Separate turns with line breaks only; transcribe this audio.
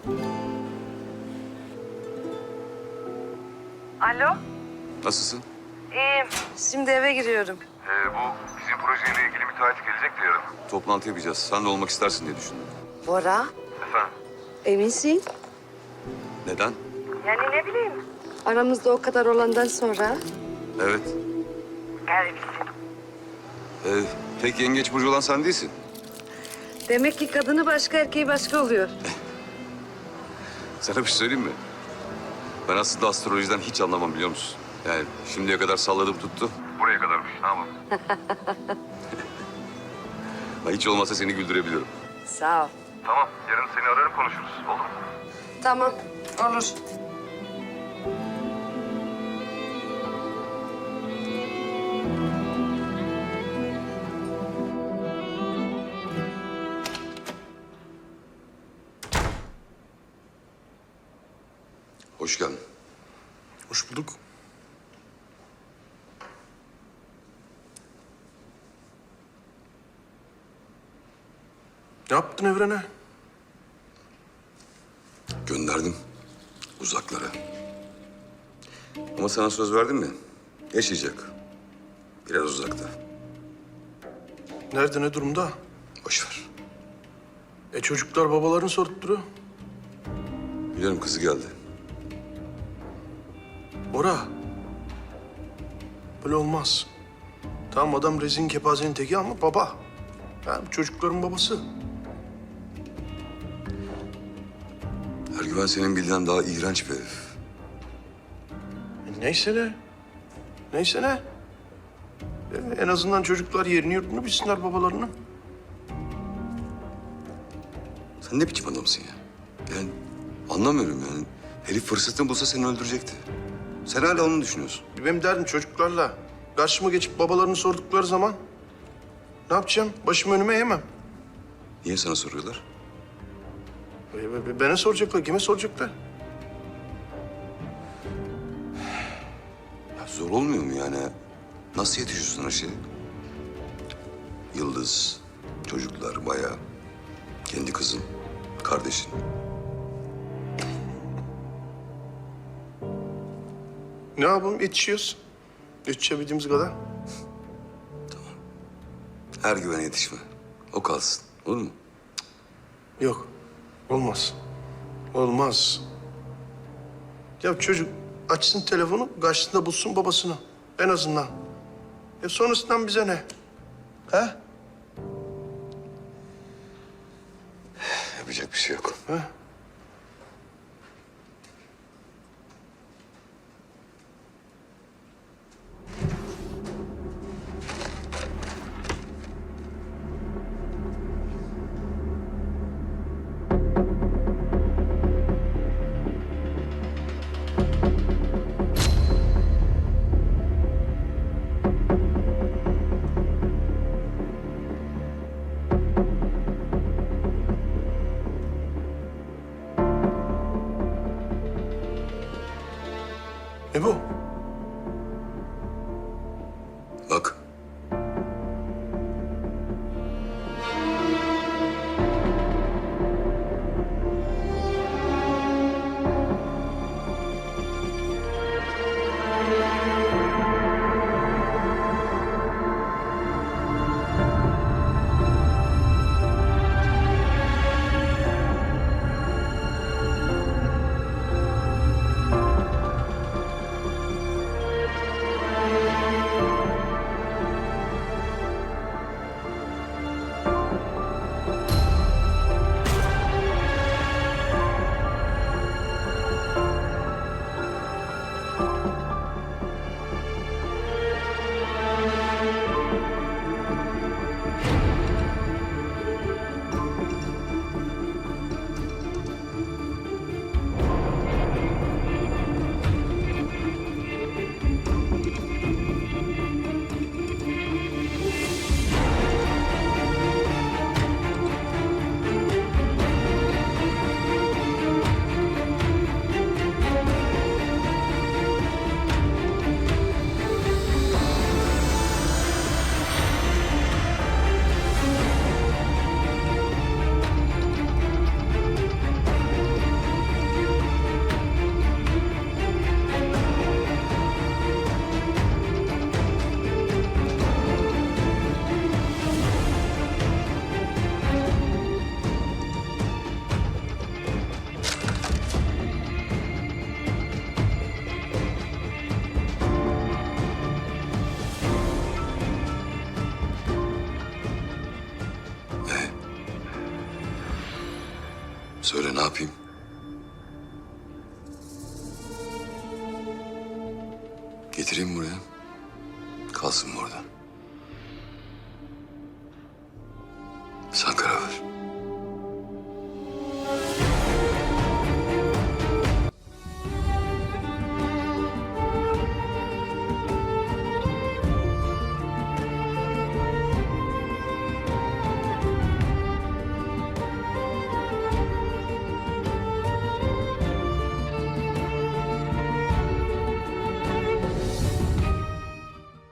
Alo?
Nasılsın?
İyiyim. Şimdi eve giriyorum.
Bu bizim projeyle ilgili müteahhit gelecek de yarın. Toplantı yapacağız. Sen de olmak istersin diye düşündüm.
Bora,
Efendim?
eminsin?
Neden?
Yani ne bileyim. Aramızda o kadar olandan sonra.
Evet.
Garipsin.
Tek yengeç burcu olan sen değilsin.
Demek ki kadını başka, erkeği başka oluyor.
Sana bir şey söyleyeyim mi? Ben aslında astrolojiden hiç anlamam biliyor musun? Yani şimdiye kadar salladım tuttu. Buraya kadarmış. Ne yapalım? Hiç olmazsa seni güldürebilirim.
Sağ ol.
Tamam. Yarın seni ararım konuşuruz. Olur mu?
Tamam, olur.
Hoş geldin.
Hoş bulduk. Ne yaptın Evren'e?
Gönderdim uzaklara. Ama sana söz verdim mi? Yaşayacak. Biraz uzakta.
Nerede, ne durumda?
Boş ver.
Çocuklar babalarını sorup duruyor.
Biliyorum kızı geldi.
Bora. Böyle olmaz. Tamam adam rezin kepazenin teki ama baba. Yani çocukların babası.
Ergüven senin bildiğinden daha iğrenç bir herif.
Neyse ne. Neyse ne. En azından çocuklar yerini yurdunu bilsinler babalarının.
Sen ne biçim adamsın ya? Yani anlamıyorum yani. Herif fırsatını bulsa seni öldürecekti. Sen hala onu düşünüyorsun.
Benim derdim çocuklarla. Karşıma geçip babalarını sordukları zaman ne yapacağım? Başımı önüme eğemem.
Niye sana soruyorlar?
Bana soracaklar, kime soracaklar?
Ya zor olmuyor mu yani? Nasıl yetişiyorsun her şeye? Yıldız, çocuklar, bayağı. Kendi kızın, kardeşin.
Ne yapalım? Yetişiyoruz. Yetişebildiğimiz kadar.
Ergüven'e yetişme. O kalsın. Olur mu?
Yok. Olmaz. Olmaz. Ya çocuk açsın telefonu, karşısında bulsun babasını. En azından. Sonrasından bize ne? He?
Yapacak bir şey yok.
He? Ne bu?
Bak. yapayım? Getireyim buraya. Kalsın mı orada?